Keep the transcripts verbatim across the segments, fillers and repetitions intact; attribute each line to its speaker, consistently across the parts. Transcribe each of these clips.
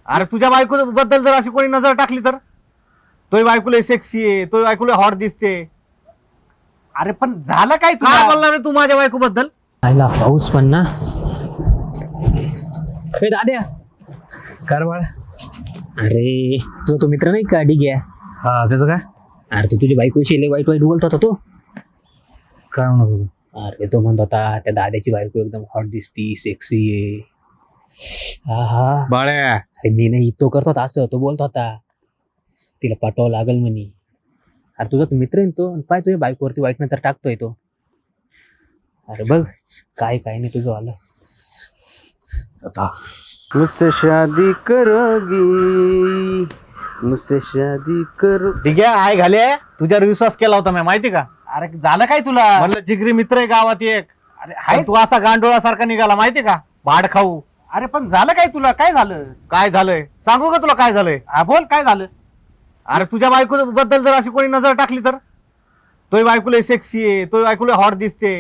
Speaker 1: अरे तुझ्या बायको बद्दल जर अशी कोणी नजर टाकली तर तोही बायकोला सेक्सी आहे, तोही बायकोला हॉट दिसते.
Speaker 2: अरे पण झालं काय
Speaker 1: काय
Speaker 2: तुला?
Speaker 1: बोलणार रे तू माझ्या बायको बद्दल?
Speaker 3: आयला पाऊस पण ना. ए दाद्या
Speaker 1: कर बाळ.
Speaker 3: अरे तुझा तो मित्र नाही का डिग्या?
Speaker 1: हा त्याचं काय?
Speaker 3: अरे तो तुझी बायको विषयी वाईट वाईट बोलत होता तो.
Speaker 1: काय म्हणत होतो?
Speaker 3: अरे तो म्हणत होता त्या दाद्याची बायको एकदम हॉट दिसती, सेक्सी आहे. हा हा
Speaker 1: बाळ्या
Speaker 3: अरे मी नाही, तो करत होता असं, तो बोलत होता तिला पाठवावं लागल म्हणे. अरे तुझा तो मित्र आहे ना तो, पाय तुझ्या बायकोवरती वाईट नंतर टाकतोय तो. अरे बघ काय काय नाही तुझं आलं
Speaker 1: आता मुझसे शादी करोगी, मुझसे शादी करो. ठीक आहे, आय घाले तुझ्यावर विश्वास केला होता मी, माहिती का?
Speaker 2: अरे झालं काय तुला?
Speaker 1: म्हणलं जिगरी मित्र आहे गावात एक.
Speaker 2: अरे
Speaker 1: पण
Speaker 2: हाय
Speaker 1: तू असा गांडोळासारखा निघाला, माहिती का? भाड खाऊ.
Speaker 2: अरे पण झालं काय तुला? काय झालं?
Speaker 1: काय झालंय सांगू का तुला काय झालंय?
Speaker 2: हा बोल काय झालं?
Speaker 1: अरे तुझ्या बायको बद्दल जर अशी कोणी नजर टाकली तर तोही बायकोला सेक्सी आहे, तोही बायकोला हॉट दिसते.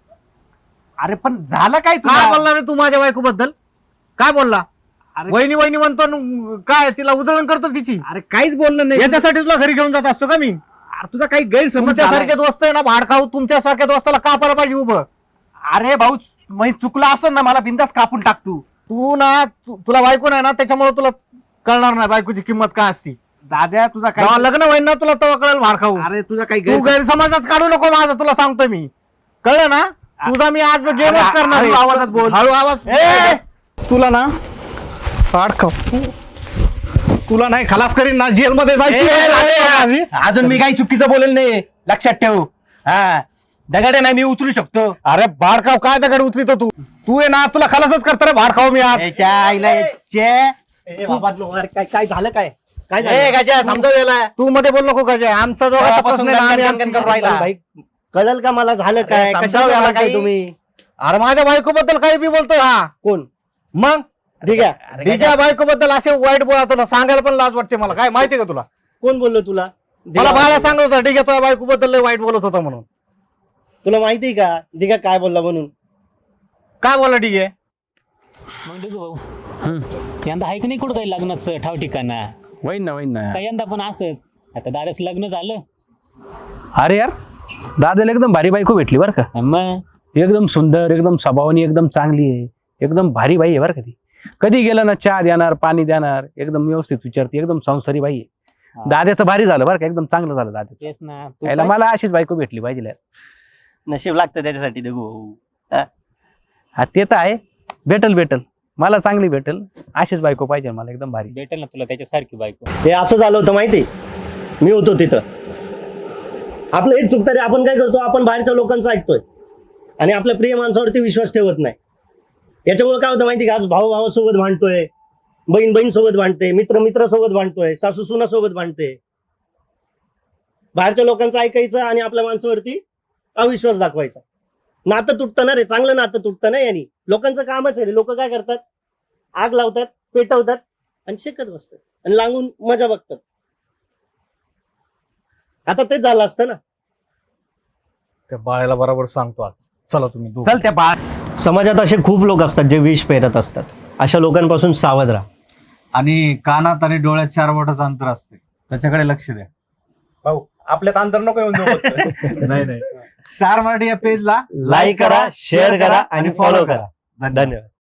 Speaker 2: अरे पण झालं काय
Speaker 1: काय
Speaker 2: तुला?
Speaker 1: बोलणार रे तू माझ्या बायको बद्दल? काय बोलला?
Speaker 2: अरे
Speaker 1: वहिनी वहिनी म्हणतो न, काय तिला उधळण करतो तिची.
Speaker 2: अरे काहीच बोललं नाही.
Speaker 1: याच्यासाठी तुला घरी घेऊन जात असतो का मी?
Speaker 2: अरे तुझा काही गैरसमज झालाय.
Speaker 1: तुमच्यासारखे दोस्त आहे ना भाड खाऊ, तुमच्यासारख्या दोस्ताला कापायला पाहिजे उभं.
Speaker 2: अरे भाऊ मी चुकला असं ना, मला बिंदास कापून टाक तू.
Speaker 1: तू ना तू- तुला बायको नाही ना, त्याच्यामुळे तुला कळणार नाही बायकोची किंमत काय असती.
Speaker 2: दाद्या तुझा
Speaker 1: जेव्हा
Speaker 2: काय?
Speaker 1: लग्न होईल ना तुला तेव्हा कळेल भाड खाऊ.
Speaker 2: अरे तुझा काही
Speaker 1: तू
Speaker 2: गैरसमज-
Speaker 1: गैरसमजच काढू नको माझा, तुला सांगतोय मी. कळलं ना? तुझा मी आज गेमच
Speaker 2: अरे,
Speaker 1: करणार आहे.
Speaker 2: हळू आवाजात बोल.
Speaker 1: हळू आवाज. ए, तुला ना भाड खाऊ तुला नाही खलास करीन ना, जेल मध्ये जायची
Speaker 2: ए,
Speaker 1: आहे.
Speaker 2: दाद्या, अजून मी काही चुकीचं बोलेल नाही, लक्षात ठेव. हा दगड नाही मी उचलू शकतो.
Speaker 1: अरे भाड खाऊ काय दगड उचलितो तू? तू आहे ना, तुला खलासच करतो रे भाड खाऊ मी आज.
Speaker 2: याच्या आईला याच्या-
Speaker 4: काय काय झालं काय काय
Speaker 2: ए,
Speaker 4: झालं
Speaker 2: गाजा, समजाव याला.
Speaker 1: तू मध्ये बोल नको का जे आमचा दोघांचा
Speaker 2: तेव्हापासून
Speaker 1: प्रश्न आहे ना, आम्ही
Speaker 2: गणगण गणगण
Speaker 1: आमची-
Speaker 2: राहिला.
Speaker 4: भाई कळल का मला झालं काय
Speaker 2: अरे, समजावं
Speaker 4: कशाला
Speaker 2: याला
Speaker 4: बोलताय
Speaker 2: काही.
Speaker 4: तुम्ही
Speaker 1: अरे माझ्या बायको बद्दल काही बी बोलतोय हा.
Speaker 4: कोण
Speaker 1: मग
Speaker 4: ठीक आहे
Speaker 2: अरे,
Speaker 1: तिच्या बायको बद्दल असे वाईट बोलतो ना, सांगायला पण लाज वाटते मला. काय माहिती का तुला?
Speaker 4: कोण बोललो तुला
Speaker 1: मला बाळा सांगत होता ठीक आहे तुझ्या बायको बद्दल लय वाईट बोलत होता म्हणून.
Speaker 4: तुला माहिती का दिघा काय बोलला म्हणून
Speaker 1: काय बोला ठीक आहे?
Speaker 3: मग डिगू भाऊ हं. यंदा आहे की नाही कुठं काही लग्नाचं ठाव ठिकाणा?
Speaker 5: वैन ना वैन ना.
Speaker 3: का यंदा पण असंच? आता दादाच लग्न झालं
Speaker 5: अरे यार दादाला एकदम भारी बायको भेटली बरं का.
Speaker 3: मग
Speaker 5: एकदम सुंदर, एकदम स्वभावानी एकदम चांगली आहे, एकदम भारी बाई आहे बरं का ती. कधी गेलं ना चहा देणार, पाणी देणार, एकदम व्यवस्थित विचारते, एकदम संसारी बाई आहे. दादाचं भारी झालं बरं का, एकदम चांगलं झालं दादाचं.
Speaker 3: तेच ना तू
Speaker 5: यायला
Speaker 3: काय-
Speaker 5: मला अशीच बायको भेटली पाहिजे यार.
Speaker 4: नशीब लागतं त्याच्यासाठी दिघू
Speaker 5: हा ते तर आहे, भेटल भेटल मला चांगली भेटल, अशीच बायको पाहिजे मला एकदम भारी.
Speaker 3: भेटेल ना तुला त्याच्यासारखी बायको.
Speaker 4: हे असं झालं होतं माहिती मी होतो तिथं. आपलं हेच चुकतं रे, आपण काय करतो आपण बाहेरच्या लोकांचं ऐकतोय आणि आपल्या प्रिय माणसावरती विश्वास ठेवत नाही. याच्यामुळे काय होतं माहिती का, आज भाऊ भावासोबत भांडतोय, बहीण बहीण सोबत भांडते, मित्र मित्र सोबत भांडतोय, सासू सुना सोबत भांडते. बाहेरच्या लोकांचं ऐकायचं आणि आपल्या माणसावरती अविश्वास दाखवायचा. नातं तुटतं ना रे, चांगलं नातं तुटतं ना यांनी. लोकांचं कामच आहे रे, लोक काय करतात आग लावतात, पेटवतात आणि शेकत बसतात आणि लागून मजा बघतात. आता तेच झालं असतं ना.
Speaker 1: त्या बाळाला बरोबर सांगतो आज. चला तुम्ही दोघं.
Speaker 2: चल त्या बाळ.
Speaker 4: समाजात असे खूप लोक असतात जे विष पेरत असतात. अशा लोकांपासून सावध राहा.
Speaker 1: आणि कानात आणि डोळ्यात चार बोटाचं अंतर असते, त्याच्याकडे लक्ष द्या.
Speaker 2: भाऊ आपल्यात अंतर नको येऊन देऊ.
Speaker 1: नाही नाही स्टार मराठी या पेजला
Speaker 4: लाईक करा, शेअर करा आणि फॉलो करा. धन्यवाद.